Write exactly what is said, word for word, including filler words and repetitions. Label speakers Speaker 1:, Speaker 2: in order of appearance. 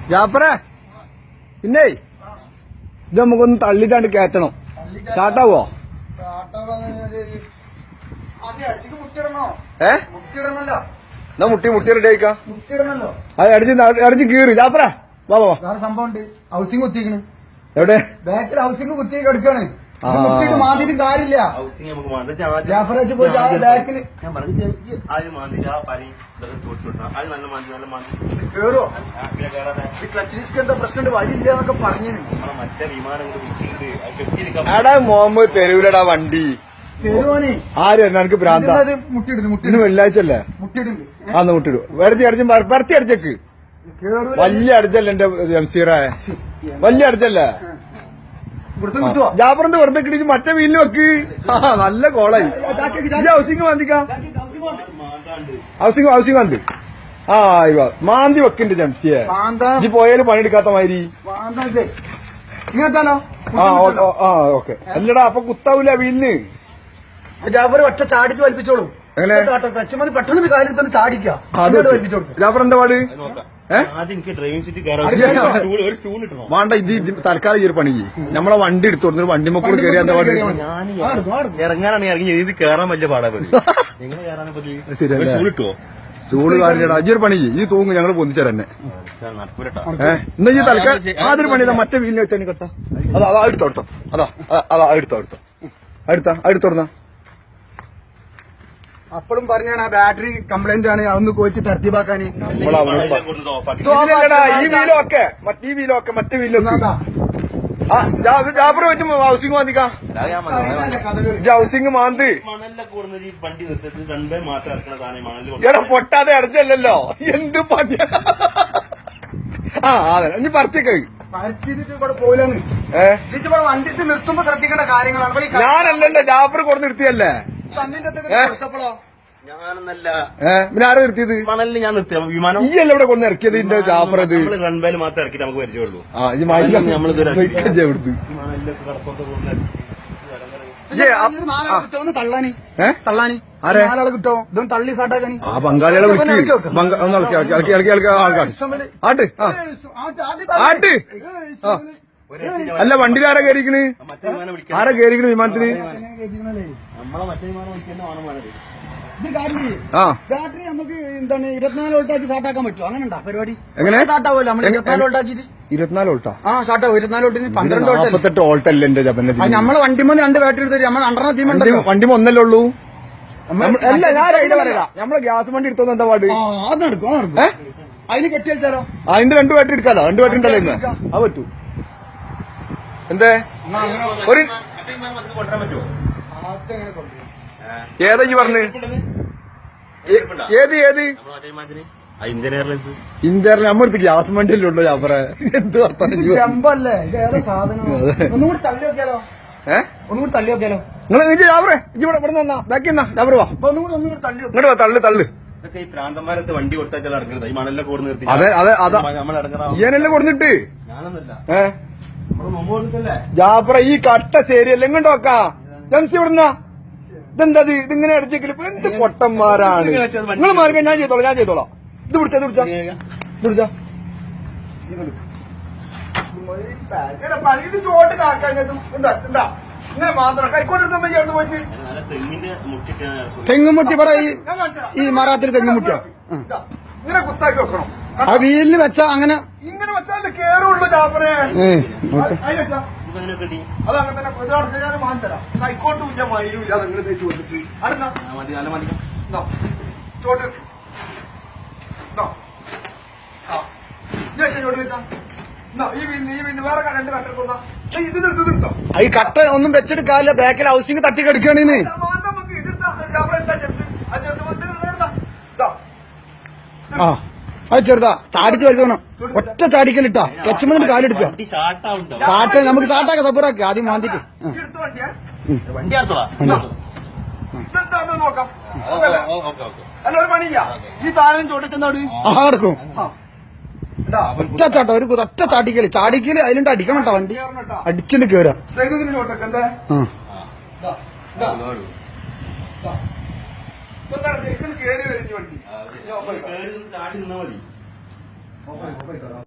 Speaker 1: ജാഫറേ പിന്നെ ഇത് നമുക്കൊന്ന് തള്ളിട്ടാണ്ട് കയറ്റണം. സ്റ്റാർട്ടാവോ? ഏ എന്നാ മുട്ടി മുട്ടി റെഡി ആയിക്കാ. അത് അടിച്ച് അടിച്ച് കീറി. ജാഫറേ വാ വാ.
Speaker 2: സംഭവം ഉണ്ട്. ഹൗസിംഗ് കുത്തിക്കണ്.
Speaker 1: എവിടെ?
Speaker 2: ബാക്കിൽ ഹൗസിംഗ് കുത്തി എടുക്കാണ്. മുട്ടിട്ട് മാതിരി കാര്യമില്ല. ജാഫറാച്ച് പോയി ബാക്കില് കേറോ ക്ലച്ച് എന്താ പ്രശ്നം വഴിയില്ല എന്നൊക്കെ പറഞ്ഞു.
Speaker 1: എടാ മുഹമ്മദ് തെരുവിലടാ വണ്ടി
Speaker 2: തെരുവോനെ
Speaker 1: ആര് എനിക്ക് ഭ്രാന്ത.
Speaker 2: മുട്ടിടുന്നു മുട്ടി
Speaker 1: ഇന്ന് വെള്ളിയാഴ്ചല്ലേ?
Speaker 2: മുട്ടിടുന്നു.
Speaker 1: ആന്ന് മുട്ടിടും. അടിച്ച് അടിച്ച് പരത്തി അടിച്ചേക്ക്. വലിയ അടിച്ചല്ലേ എന്റെ ജംസീറായ, വലിയ അടിച്ചല്ലേ? ജാഫറിന്റെ വെറുതെ കിട്ടിച്ച് മറ്റേ വീലിൽ വെക്ക്. ആ നല്ല കോളായി. ഹൗസിംഗ് മാന്തിക്കാം. ഹൗസിംഗ് ഹൗസിംഗ് മാന്തി. ആ മാന്തി വെക്കുന്നുണ്ട് ജംസിയെ. ഇജ്ജ് പോയാലും പണിയെടുക്കാത്ത മാതിരി. ആ ആ ഓക്കെ. അല്ലടാ അപ്പൊ കുത്താവൂല വീലിന്.
Speaker 2: ജാഫർ ഒറ്റ ചാടിച്ച് വലിപ്പിച്ചോളൂ.
Speaker 1: എങ്ങനെ
Speaker 2: പെട്ടെന്ന് കാര്യം തന്നെ ചാടിക്കാം.
Speaker 1: ജാഫർ എന്താ പാട്? വേണ്ട ഇത് തൽക്കാലം ഈ ഒരു പണി നമ്മളെ വണ്ടി എടുത്തു കൊടുത്തു. വണ്ടി മക്കൾ കയറി എന്താ പാട്?
Speaker 3: ഇറങ്ങാനാണ് ഇറങ്ങി ഇത് കയറാൻ വലിയ പാടാ.
Speaker 1: സ്റ്റൂള് കാര്യടാ. അജൊരു പണി ഈ തൂങ്ങ് ഞങ്ങൾ പൊന്നിച്ചതന്നെ. ഏഹ് എന്നാ ഈ തൽക്കാലം ആദ്യൊരു പണി മറ്റേ വീലിന് വെച്ചാൽ കെട്ടാ. അതാ അതാ എടുത്തോ എടുത്തോ. അതാ അതാ എടുത്തോ എടുത്തോ അടുത്ത അടുത്തോടുന്ന.
Speaker 2: അപ്പോഴും പറഞ്ഞാണ് ആ ബാറ്ററി കംപ്ലൈന്റ് ആണ്. അതൊന്ന് കോച്ച് തർത്തീവാക്കാൻ.
Speaker 1: ഈ വീലൊക്കെ മറ്റേ വീലൊക്കെ മറ്റേ വീലൊക്കെ ജാഫർ പറ്റും. ഹൗസിംഗ് മാന്തിക്കാം. ഹൗസിംഗ് മാന്ത്. എടാ പൊട്ടാതെ അടച്ചല്ലോ. എന്ത് പണിയാ? ആ അതെ ഇനി പറിച്ചേക്ക്.
Speaker 2: പോലെന്ന് ഏഹ് വണ്ടി നിർത്തുമ്പോ ശ്രദ്ധിക്കേണ്ട കാര്യങ്ങളാണ്.
Speaker 1: ഞാനല്ലല്ലോ ജാഫർ കൊടുത്ത് നിർത്തിയല്ലേ. പിന്നെ ആരാ നിർത്തിയത്?
Speaker 3: മണലിൽ ഞാൻ നിർത്തിയ വിമാനം
Speaker 1: ഈ അല്ല ഇവിടെ കൊണ്ട് ഇറക്കിയത്. ഇതിന്റെ ജാഫർ അത്
Speaker 3: റൺവേയിൽ മാത്രം ഇറക്കിട്ട് നമുക്ക് പരിചയമുള്ളൂ.
Speaker 1: ആ ഈ
Speaker 2: തള്ളാനി തള്ളാനി നാലാളെ കിട്ടോ? ഇതൊന്നും തള്ളി സാട്ടാക്കാനി.
Speaker 1: ആ ബംഗാളികളെ വിളിച്ച് ആൾക്കാർ ആട്ട് ആട്ട്. അല്ല വണ്ടിയിൽ ആരാ കയറിക്കണ്? ആരാ കയറിക്കണ് വിമാനത്തിന്? ആ
Speaker 2: ബാറ്ററി നമുക്ക് എന്താണ് ഇരുപത്തിനാല് വോൾട്ടാക്കി സ്റ്റാർട്ടാക്കാൻ പറ്റുമോ? അങ്ങനെ ഉണ്ടാ പരിപാടി?
Speaker 1: എങ്ങനെ
Speaker 2: സ്റ്റാർട്ടാവുമല്ലോ നമ്മൾ ഇരുപത്തിനാല് വോൾട്ടാക്കിട്ട്?
Speaker 1: ഇരുപത്തിനാല് വോൾട്ടാ?
Speaker 2: ആ സ്റ്റാർട്ടാവും. ഇരുപത്തിനാല് വോൾട്ടിന് പന്ത്രണ്ട്
Speaker 1: നാൽപ്പത്തെട്ട് വോൾട്ടല്ലേ എന്റെ ജപന്റെ?
Speaker 2: നമ്മളെ വണ്ടിമ രണ്ട് ബാറ്ററി എടുത്തു. നമ്മൾ രണ്ടെണ്ണം തീമുണ്ട്.
Speaker 1: വണ്ടിമ ഒന്നല്ലേ ഉള്ളൂ. അല്ല ഞാൻ ഐഡിയ പറയാം. നമ്മളെ ഗ്യാസ് വണ്ടി എടുത്തോന്ന് എന്താ പാട്?
Speaker 2: അത് നടക്കും നടക്കും. അതിന് കെട്ടി വെച്ചാലോ?
Speaker 1: അതിന്റെ രണ്ട് ബാറ്ററി എടുക്കാലോ? രണ്ട് ബാറ്ററി ഉണ്ടല്ലോ ഇന്ന്. ആ പറ്റൂ. എന്തേ ഒരു ഏതാ ഈ പറഞ്ഞ്? ഏത് ഏത് ഇന്ത്യയിൽ നമ്മളടുത്ത് ഗ്യാസ് വണ്ടിയല്ലേ ഉള്ളൂ ജാഫറെ? എന്ത്
Speaker 2: ചെമ്പല്ലേ ഒന്നുകൂടി തള്ളി നോക്കിയാലോ?
Speaker 1: ഏഹ്
Speaker 2: ഒന്നുകൂടി തള്ളി നോക്കിയാലോ?
Speaker 1: നിങ്ങൾ ജാഫറെ ഇവിടെ ഇവിടെ നിന്നാ ബാക്കി എന്നാ ജാഫർ വാ.
Speaker 2: ഒന്നുകൂടി ഒന്നുകൂടി തള്ളി
Speaker 1: ഇങ്ങോട്ട് വാ. തള്ളു തള്ളു.
Speaker 3: ഈ പ്രാന്തന്മാരത്ത് വണ്ടി കൊടുത്താൽ ഇറങ്ങുന്നത് ഈ മണലിലെ കൂടെ നിർത്തി.
Speaker 1: അതെ അതെ അതാ ഈയനല്ലേ കൊടുത്തിട്ട്. ഏഹ് ജാഫറ ഈ കട്ട ശരിയല്ല. ഇങ്ങോട്ട് നോക്കാ ജംസി ഇവിടുന്ന ഇതെന്താ ഇതിങ്ങനെ അടിച്ചേക്കല്? എന്ത് പൊട്ടന്മാരാണ് നിങ്ങൾ. മാർഗം ഞാൻ ചെയ്തോളാം ഞാൻ ചെയ്തോളാം. ഇത് പിടിച്ചാ ഇത് പിടിച്ചാ ഇത് പിടിച്ചാ ഇത് ചോട്ട് കാക്കാൻ ഇങ്ങനെ മാത്രം കൈക്കോട്ട് പോയിട്ട്
Speaker 2: തെങ്ങുമുട്ടി ഇവിടെ ഈ മറാത്തിൽ തെങ്ങുമുട്ടിയാ
Speaker 1: ഇങ്ങനെ കുത്താക്കി വെക്കണം.
Speaker 2: ആ വീലിന് വെച്ചാ അങ്ങനെ
Speaker 1: ഇങ്ങനെ വെച്ചാൽ കേറുള്ളൂ ജാഫറെ. അതങ്ങനെ തന്നെ ഞാൻ മാൻ തരാം. കൈക്കോട്ടും ഇല്ല മയിലും ഇല്ല. അതങ്ങനെ തേച്ച് കൊടുത്തിട്ട് അടുത്ത ചോട്ട് ചോട്ട് വെച്ചാ ഈ വീടിന് ഈ വീടിന് വേറെ രണ്ട് കട്ടെടുത്തോന്നാ. ഇത് നിർത്തി നിർത്തോ.
Speaker 2: ഈ കട്ട ഒന്നും വെച്ചെടുക്കാല്ല. ബാക്കിൽ ഹൗസിംഗ് തട്ടി കിടക്കുകയാണെന്ന്. ആ അത് ചെറുതാ. ചാടിച്ച് വലിക്കണം. ഒറ്റ ചാടിക്കലിട്ടാ ക്ലച്ച് മുതൽ കാലെടുക്കുക. കാട്ട് നമുക്ക് സ്റ്റാർട്ടാക്കാം. സബറാക്കി ആദ്യം മാന്തിക്ക്
Speaker 1: നോക്കാം. അല്ല ഒരു പണിയില്ല. ഈ സാധനം ചോട്ടിച്ചെന്നോട്
Speaker 2: ആ കിടക്കും. ഒറ്റ ചാട്ടം ഒരു ഒറ്റ ചാടിക്കല് ചാടിക്കല് അതിലുണ്ട് അടിക്കണം കേട്ടോ. വണ്ടി അടിച്ചിട്ട് കേറാ.
Speaker 1: ശരിക്കും കയറി വരും വണ്ടി.